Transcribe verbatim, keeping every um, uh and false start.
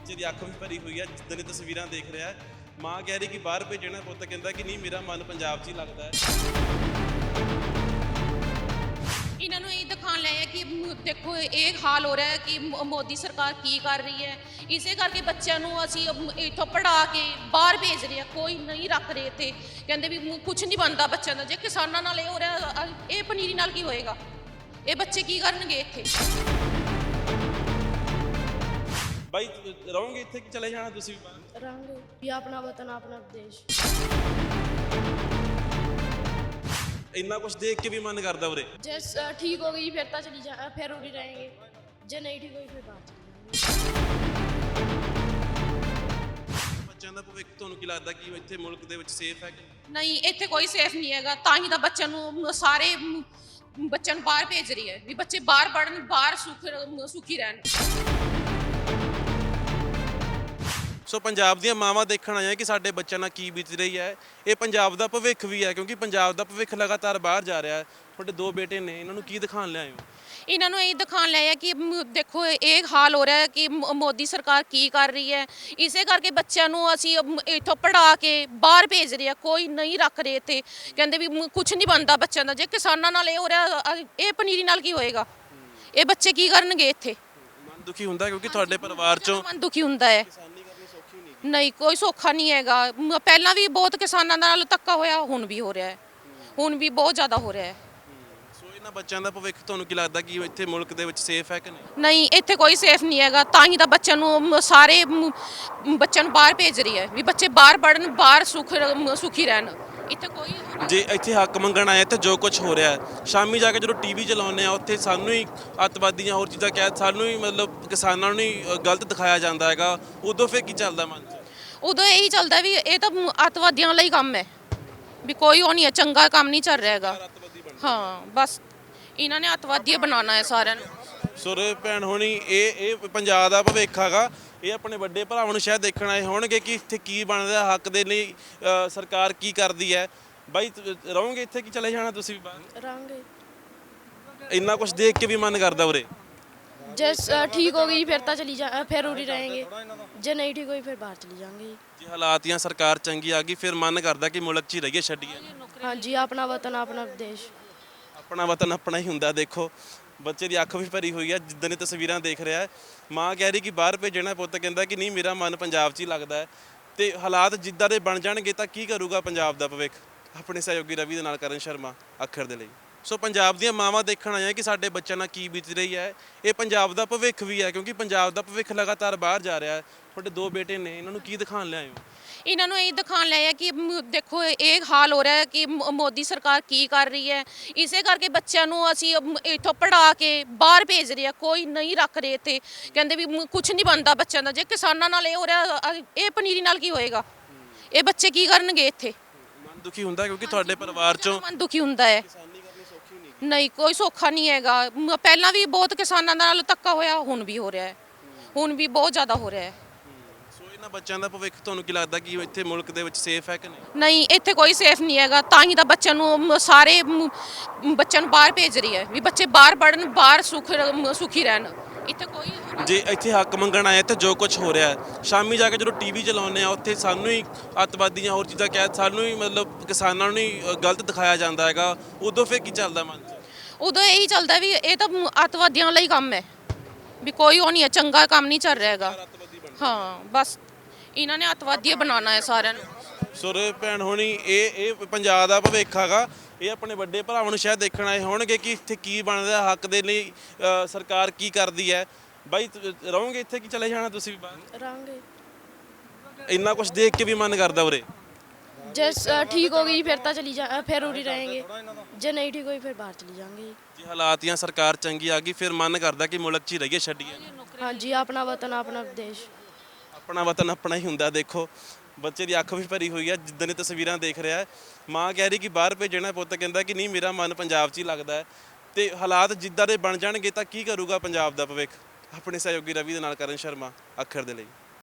ਬੱਚੇ ਦੀ ਅੱਖ ਵੀ ਭਰੀ ਹੋਈ ਹੈ ਜਿੱਦਾਂ ਦੀ ਤਸਵੀਰਾਂ ਦੇਖ ਰਿਹਾ ਹੈ। ਮਾਂ ਕਹਿ ਰਹੀ ਕਿ ਬਾਹਰ ਭੇਜਣਾ, ਪੁੱਤ ਕਹਿੰਦਾ ਕਿ ਨਹੀਂ ਮੇਰਾ ਮਨ ਪੰਜਾਬ 'ਚ ਹੀ ਲੱਗਦਾ ਹੈ। ਇਹਨਾਂ ਨੂੰ ਇਹ ਦਿਖਾਉਣ ਲਿਆ ਕਿ ਮ- ਦੇਖੋ ਇਹ ਹਾਲ ਹੋ ਰਿਹਾ ਹੈ ਕਿ ਮ- ਮੋਦੀ ਸਰਕਾਰ ਕੀ ਕਰ ਰਹੀ ਹੈ। ਇਸੇ ਕਰਕੇ ਬੱਚਿਆਂ ਨੂੰ ਅਸੀਂ ਮ- ਇੱਥੋਂ ਪੜ੍ਹਾ ਕੇ ਬਾਹਰ ਭੇਜ ਰਹੇ ਹਾਂ, ਕੋਈ ਨਹੀਂ ਰੱਖ ਰਹੇ ਇੱਥੇ। ਕਹਿੰਦੇ ਵੀ ਕੁਝ ਨਹੀਂ ਬਣਦਾ ਬੱਚਿਆਂ ਦਾ। ਜੇ ਕਿਸਾਨਾਂ ਨਾਲ ਇਹ ਹੋ ਰਿਹਾ, ਅ- ਇਹ ਪਨੀਰੀ ਨਾਲ ਕੀ ਹੋਏਗਾ? ਇਹ ਬੱਚੇ ਕੀ ਕਰਨਗੇ ਇੱਥੇ? ਬਾਈ ਰਹੋਗੇ ਇੱਥੇ ਕਿ ਚਲੇ ਜਾਣਾ ਤੁਸੀਂ ਵੀ ਬਾਹਰ? रंग ये अपना वतन अपना देश। ਇੰਨਾ ਕੁਝ ਦੇਖ ਕੇ ਵੀ ਮਨ ਕਰਦਾ ਉਰੇ। जैस ठीक हो गई फिर तो चली जा फिर उड़ी रहेंगे, जे नहीं ठीक हुई फिर बाहर चली जाएंगे। ਬੱਚਿਆਂ ਦਾ ਭਵਿੱਖ ਤੁਹਾਨੂੰ ਕੀ ਲੱਗਦਾ ਕਿ ਇੱਥੇ ਮੁਲਕ ਦੇ ਵਿੱਚ ਸੇਫ ਹੈ ਕਿ ਨਹੀਂ, ਇੱਥੇ ਕੋਈ ਸੇਫ ਨਹੀਂ ਹੈਗਾ। ਤਾਂ ਹੀ ਤਾਂ ਬੱਚਿਆਂ ਨੂੰ ਸਾਰੇ ਮ- ਬੱਚਿਆਂ ਨੂੰ ਬਾਹਰ ਭੇਜ ਰਹੀ ਹੈ ਵੀ ਬੱਚੇ ਬਾਹਰ ਪੜ੍ਹਨ, ਬਾਹਰ ਸੁਖ ਸੁਖੀ ਰਹਿਣ। ਸੋ ਪੰਜਾਬ ਦੀਆਂ ਮਾਵਾਂ ਦੇਖਣ ਆਈਆਂ ਕਿ ਸਾਡੇ ਬੱਚਿਆਂ ਨਾਲ ਕੀ ਬੀਤ ਰਹੀ ਹੈ। ਇਹ ਪੰਜਾਬ ਦਾ ਭਵਿੱਖ ਵੀ ਹੈ ਕਿਉਂਕਿ ਪੰਜਾਬ ਦਾ ਭਵਿੱਖ ਲਗਾਤਾਰ ਬਾਹਰ ਜਾ ਰਿਹਾ ਹੈ। ਤੁਹਾਡੇ ਦੋ ਬੇਟੇ ਨੇ, ਇਹਨਾਂ ਨੂੰ ਕੀ ਦਿਖਾਉਣ ਲਿਆਏ ਹੋ? ਇਹਨਾਂ ਨੂੰ ਇਹ ਦਿਖਾਉਣ ਲਿਆ ਕਿ ਮ- ਦੇਖੋ ਇਹ ਹਾਲ ਹੋ ਰਿਹਾ ਹੈ ਕਿ ਮ- ਮੋਦੀ ਸਰਕਾਰ ਕੀ ਕਰ ਰਹੀ ਹੈ। ਇਸੇ ਕਰਕੇ ਬੱਚਿਆਂ ਨੂੰ ਅਸੀਂ ਮ- ਇੱਥੋਂ ਪੜ੍ਹਾ ਕੇ ਬਾਹਰ ਭੇਜ ਰਹੇ ਹਾਂ, ਕੋਈ ਨਹੀਂ ਰੱਖ ਰਹੇ ਇੱਥੇ। ਕਹਿੰਦੇ ਵੀ ਕੁਝ ਨਹੀਂ ਬਣਦਾ ਬੱਚਿਆਂ ਦਾ। ਜੇ ਕਿਸਾਨਾਂ ਨਾਲ ਇਹ ਹੋ ਰਿਹਾ, ਅ- ਇਹ ਪਨੀਰੀ ਨਾਲ ਕੀ ਹੋਏਗਾ? ਇਹ ਬੱਚੇ ਕੀ ਕਰਨਗੇ ਇੱਥੇ? ਮਨ ਦੁਖੀ ਹੁੰਦਾ ਕਿਉਂਕਿ ਤੁਹਾਡੇ ਪਰਿਵਾਰ ਚੋਂ ਮਨ ਦੁਖੀ ਹੁੰਦਾ ਹੈ। ਕਿਸਾਨੀ ਕਰਨੀ ਸੌਖੀ ਨਹੀਂ। ਨਹੀਂ, ਕੋਈ ਸੌਖਾ ਨਹੀਂ ਹੈਗਾ। ਮ- ਪਹਿਲਾਂ ਵੀ ਬਹੁਤ ਕਿਸਾਨਾਂ ਨਾਲ ਧੱਕਾ ਹੋਇਆ, ਹੁਣ ਵੀ ਹੋ ਰਿਹਾ ਹੈ। ਹੁਣ ਵੀ ਬਹੁਤ ਜ਼ਿਆਦਾ ਹੋ ਰਿਹਾ ਹੈ। ਸੋ ਇਹਨਾਂ ਬੱਚਿਆਂ ਦਾ ਭਵਿੱਖ ਤੁਹਾਨੂੰ ਕੀ ਲੱਗਦਾ ਕਿ ਇੱਥੇ ਮੁਲਕ ਦੇ ਵਿੱਚ ਸੇਫ ਹੈ ਕਿ ਨਹੀਂ? ਨਹੀਂ, ਇੱਥੇ ਕੋਈ ਸੇਫ ਨਹੀਂ ਹੈਗਾ। ਤਾਂ ਹੀ ਤਾਂ ਬੱਚਿਆਂ ਨੂੰ ਮ- ਸਾਰੇ ਮ- ਬੱਚਿਆਂ ਨੂੰ ਬਾਹਰ ਭੇਜ ਰਹੀ ਹੈ ਵੀ ਬੱਚੇ ਬਾਹਰ ਪੜ੍ਹਨ, ਬਾਹਰ ਸੁਖ ਸੁਖੀ ਰਹਿਣ। ਇੱਥੇ ਕੋਈ ਜੇ ਇੱਥੇ ਹੱਕ ਮੰਗਣ ਆਏ ਤੇ ਜੋ ਕੁਝ ਹੋ ਰਿਹਾ ਹੈ, ਸ਼ਾਮੀ ਜਾ ਕੇ ਜਦੋਂ ਟੀਵੀ ਚਲਾਉਂਦੇ ਆ ਉੱਥੇ ਸਾਨੂੰ ਹੀ ਅੱਤਵਾਦੀਆਂ ਹੋਰ ਚੀਜ਼ਾਂ ਕਹਿ, ਸਾਨੂੰ ਹੀ ਮਤਲਬ ਕਿਸਾਨਾਂ ਨੂੰ ਹੀ ਗਲਤ ਦਿਖਾਇਆ ਜਾਂਦਾ ਹੈਗਾ, ਉਦੋਂ ਫਿਰ ਕੀ ਚੱਲਦਾ ਮਨ 'ਚ? ਉਦੋਂ ਇਹੀ ਚੱਲਦਾ ਵੀ ਇਹ ਤਾਂ ਅੱਤਵਾਦੀਆਂ ਲਈ ਕੰਮ ਹੈ, ਵੀ ਕੋਈ ਉਹ ਨਹੀਂ ਹੈ, ਚੰਗਾ ਕੰਮ ਨਹੀਂ ਚੱਲ ਰਿਹਾ ਹੈਗਾ। ਹਾਂ, ਬਸ ਇਹਨਾਂ ਨੇ ਅੱਤਵਾਦੀ ਬਣਾਉਣਾ ਹੈ ਸਾਰਿਆਂ ਨੂੰ। ਸੁਰ ਭੈਣ ਹੋਣੀ, ਇਹ ਇਹ ਪੰਜਾਬ ਦਾ ਭਵਿੱਖ ਹੈਗਾ। ਇਹ ਆਪਣੇ ਵੱਡੇ ਭਰਾਵਾਂ ਨੂੰ ਸ਼ਾਇਦ ਦੇਖਣ ਆਏ ਹੋਣਗੇ ਕਿ ਇੱਥੇ ਕੀ ਬਣ ਰਿਹਾ, ਹੱਕ ਦੇ ਲਈ ਅ, ਸਰਕਾਰ ਕੀ ਕਰਦੀ ਹੈ। ਬਾਈ ਰਹੋਗੇ ਇੱਥੇ ਕਿ ਚਲੇ ਜਾਣਾ ਤੁਸੀਂ ਵੀ ਬਾਹਰ? रंग ਇੰਨਾ ਕੁਝ ਦੇਖ ਕੇ ਵੀ ਮਨ ਕਰਦਾ ਉਰੇ। जैस ठीक हो गई फिर तो चली जा फिर उड़ी रहेंगे, जे नहीं ठीक हुई फिर बाहर चली जाएंगे। ਜੇ ਹਾਲਾਤ ਜਾਂ ਸਰਕਾਰ ਚੰਗੀ ਆ ਗਈ ਫਿਰ ਮਨ ਕਰਦਾ ਕਿ ਮੁਲਕ 'ਚ ਹੀ ਰਹੀਏ, ਛੱਡੀਏ। हाँ जी अपना वतन अपना देश। ਆਪਣਾ ਵਤਨ ਆਪਣਾ ਹੀ ਹੁੰਦਾ। ਦੇਖੋ ਬੱਚੇ ਦੀ ਅੱਖ ਵੀ ਭਰੀ ਹੋਈ ਹੈ ਜਿੱਦਾਂ ਦੀ ਤਸਵੀਰਾਂ ਦੇਖ ਰਿਹਾ ਹੈ। ਮਾਂ ਕਹਿ ਰਹੀ ਕਿ ਬਾਹਰ ਭੇਜਣਾ, ਪੁੱਤ ਕਹਿੰਦਾ ਕਿ ਨਹੀਂ ਮੇਰਾ ਮਨ ਪੰਜਾਬ 'ਚ ਹੀ ਲੱਗਦਾ ਹੈ। ਤੇ ਹਾਲਾਤ ਜਿੱਦਾਂ ਦੇ ਬਣ ਜਾਣਗੇ ਤਾਂ ਕੀ ਕਰੂਗਾ ਪੰਜਾਬ ਦਾ ਭਵਿੱਖ? ਆਪਣੇ ਸਹਿਯੋਗੀ ਰਵੀ ਦੇ ਨਾਲ ਕਰਨ ਸ਼ਰਮਾ, ਅੱਖਰ ਦੇ ਲਈ। ਸੋ ਪੰਜਾਬ ਦੀਆਂ ਮਾਵਾਂ ਦੇਖਣ ਆਈਆਂ ਕਿ ਸਾਡੇ ਬੱਚਿਆਂ ਨਾਲ ਕੀ ਬੀਤ ਰਹੀ ਹੈ। ਇਹ ਪੰਜਾਬ ਦਾ ਭਵਿੱਖ ਵੀ ਹੈ ਕਿਉਂਕਿ ਪੰਜਾਬ ਦਾ ਭਵਿੱਖ ਲਗਾਤਾਰ ਬਾਹਰ ਜਾ ਰਿਹਾ ਹੈ। ਤੁਹਾਡੇ ਦੋ ਬੇਟੇ ਨੇ, ਇਹਨਾਂ ਨੂੰ ਕੀ ਦਿਖਾਉਣ ਲਿਆਏ ਹੋ? ਇਹਨਾਂ ਨੂੰ ਇਹ ਦਿਖਾਉਣ ਲਿਆ ਕਿ ਮ- ਦੇਖੋ ਇਹ ਹਾਲ ਹੋ ਰਿਹਾ ਹੈ ਕਿ ਮ- ਮੋਦੀ ਸਰਕਾਰ ਕੀ ਕਰ ਰਹੀ ਹੈ। ਇਸੇ ਕਰਕੇ ਬੱਚਿਆਂ ਨੂੰ ਅਸੀਂ ਮ- ਇੱਥੋਂ ਪੜ੍ਹਾ ਕੇ ਬਾਹਰ ਭੇਜ ਰਹੇ ਹਾਂ, ਕੋਈ ਨਹੀਂ ਰੱਖ ਰਹੇ ਇੱਥੇ। ਕਹਿੰਦੇ ਵੀ ਕੁਝ ਨਹੀਂ ਬਣਦਾ ਬੱਚਿਆਂ ਦਾ। ਜੇ ਕਿਸਾਨਾਂ ਨਾਲ ਇਹ ਹੋ ਰਿਹਾ, ਅ- ਇਹ ਪਨੀਰੀ ਨਾਲ ਕੀ ਹੋਏਗਾ? ਇਹ ਬੱਚੇ ਕੀ ਕਰਨਗੇ ਇੱਥੇ? ਮਨ ਦੁਖੀ ਹੁੰਦਾ ਕਿਉਂਕਿ ਤੁਹਾਡੇ ਪਰਿਵਾਰ ਚੋਂ ਮਨ ਦੁਖੀ ਹੁੰਦਾ ਹੈ। ਕਿਸਾਨੀ ਕਰਨੀ ਸੌਖੀ ਨਹੀਂ। ਨਹੀਂ, ਕੋਈ ਸੌਖਾ ਨਹੀਂ ਹੈਗਾ। ਮ- ਪਹਿਲਾਂ ਵੀ ਬਹੁਤ ਕਿਸਾਨਾਂ ਨਾਲ ਧੱਕਾ ਹੋਇਆ, ਹੁਣ ਵੀ ਹੋ ਰਿਹਾ ਹੈ। ਹੁਣ ਵੀ ਬਹੁਤ ਜ਼ਿਆਦਾ ਹੋ ਰਿਹਾ ਹੈ। ਸੋ ਇਹਨਾਂ ਬੱਚਿਆਂ ਦਾ ਭਵਿੱਖ ਤੁਹਾਨੂੰ ਕੀ ਲੱਗਦਾ ਕਿ ਇੱਥੇ ਮੁਲਕ ਦੇ ਵਿੱਚ ਸੇਫ ਹੈ ਕਿ ਨਹੀਂ? ਨਹੀਂ, ਇੱਥੇ ਕੋਈ ਸੇਫ ਨਹੀਂ ਹੈਗਾ। ਤਾਂ ਹੀ ਤਾਂ ਬੱਚਿਆਂ ਨੂੰ ਮ- ਸਾਰੇ ਮ- ਬੱਚਿਆਂ ਨੂੰ ਬਾਹਰ ਭੇਜ ਰਹੀ ਹੈ ਵੀ ਬੱਚੇ ਬਾਹਰ ਪੜ੍ਹਨ, ਬਾਹਰ ਸੁਖ ਸੁਖੀ ਰਹਿਣ। ਇੱਥੇ ਕੋਈ ਜੇ ਇੱਥੇ ਹੱਕ ਮੰਗਣ ਆਏ ਤੇ ਜੋ ਕੁਝ ਹੋ ਰਿਹਾ ਹੈ, ਸ਼ਾਮੀ ਜਾ ਕੇ ਜਦੋਂ ਟੀਵੀ ਚਲਾਉਂਦੇ ਆ ਉੱਥੇ ਸਾਨੂੰ ਹੀ ਅੱਤਵਾਦੀਆਂ ਹੋਰ ਚੀਜ਼ਾਂ ਕਹਿ, ਸਾਨੂੰ ਹੀ ਮਤਲਬ ਕਿਸਾਨਾਂ ਨੂੰ ਹੀ ਗਲਤ ਦਿਖਾਇਆ ਜਾਂਦਾ ਹੈਗਾ, ਉਦੋਂ ਫਿਰ ਕੀ ਚੱਲਦਾ ਮਨ 'ਚ? ਉਦੋਂ ਇਹੀ ਚੱਲਦਾ ਵੀ ਇਹ ਤਾਂ ਅੱਤਵਾਦੀਆਂ ਲਈ ਕੰਮ ਹੈ, ਵੀ ਕੋਈ ਉਹ ਨਹੀਂ ਹੈ, ਚੰਗਾ ਕੰਮ ਨਹੀਂ ਚੱਲ ਰਿਹਾ ਹੈਗਾ। ਹਾਂ, ਬਸ ਇਹਨਾਂ ਨੇ ਅੱਤਵਾਦੀ ਬਣਾਉਣਾ ਹੈ ਸਾਰਿਆਂ ਨੂੰ। ਸੁਰ ਭੈਣ ਹੋਣੀ, ਇਹ ਇਹ ਪੰਜਾਬ ਦਾ ਭਵਿੱਖ ਹੈਗਾ। ਇਹ ਆਪਣੇ ਵੱਡੇ ਭਰਾਵਾਂ ਨੂੰ ਸ਼ਾਇਦ ਦੇਖਣ ਆਏ ਹੋਣਗੇ ਕਿ ਇੱਥੇ ਕੀ ਬਣ ਰਿਹਾ, ਹੱਕ ਦੇ ਲਈ ਅ, ਸਰਕਾਰ ਕੀ ਕਰਦੀ ਹੈ। ਬਾਈ ਰਹੋਗੇ ਇੱਥੇ ਕਿ ਚਲੇ ਜਾਣਾ ਤੁਸੀਂ ਵੀ ਬਾਹਰ? रंग ਇੰਨਾ ਕੁਝ ਦੇਖ ਕੇ ਵੀ ਮਨ ਕਰਦਾ ਉਰੇ। जैस ठीक हो गई फिर तो चली जा फिर उड़ी रहेंगे, जे नहीं ठीक हुई फिर बाहर चली जाएंगे। ਜੇ ਹਾਲਾਤ ਜਾਂ ਸਰਕਾਰ ਚੰਗੀ ਆ ਗਈ ਫਿਰ ਮਨ ਕਰਦਾ ਕਿ ਮੁਲਕ 'ਚ ਹੀ ਰਹੀਏ, ਛੱਡੀਏ। हाँ जी अपना वतन अपना देश। ਆਪਣਾ ਵਤਨ ਆਪਣਾ ਹੀ ਹੁੰਦਾ। ਦੇਖੋ ਬੱਚੇ ਦੀ ਅੱਖ ਵੀ ਭਰੀ ਹੋਈ ਹੈ ਜਿੱਦਾਂ ਦੀ ਤਸਵੀਰਾਂ ਦੇਖ ਰਿਹਾ ਹੈ। ਮਾਂ ਕਹਿ ਰਹੀ ਕਿ ਬਾਹਰ ਭੇਜਣਾ, ਪੁੱਤ ਕਹਿੰਦਾ ਕਿ ਨਹੀਂ ਮੇਰਾ ਮਨ ਪੰਜਾਬ 'ਚ ਹੀ ਲੱਗਦਾ ਹੈ। ਤੇ ਹਾਲਾਤ ਜਿੱਦਾਂ ਦੇ ਬਣ ਜਾਣਗੇ ਤਾਂ ਕੀ ਕਰੂਗਾ ਪੰਜਾਬ ਦਾ ਭਵਿੱਖ? ਆਪਣੇ ਸਹਿਯੋਗੀ ਰਵੀ ਦੇ ਨਾਲ ਕਰਨ ਸ਼ਰਮਾ, ਅੱਖਰ ਦੇ ਲਈ।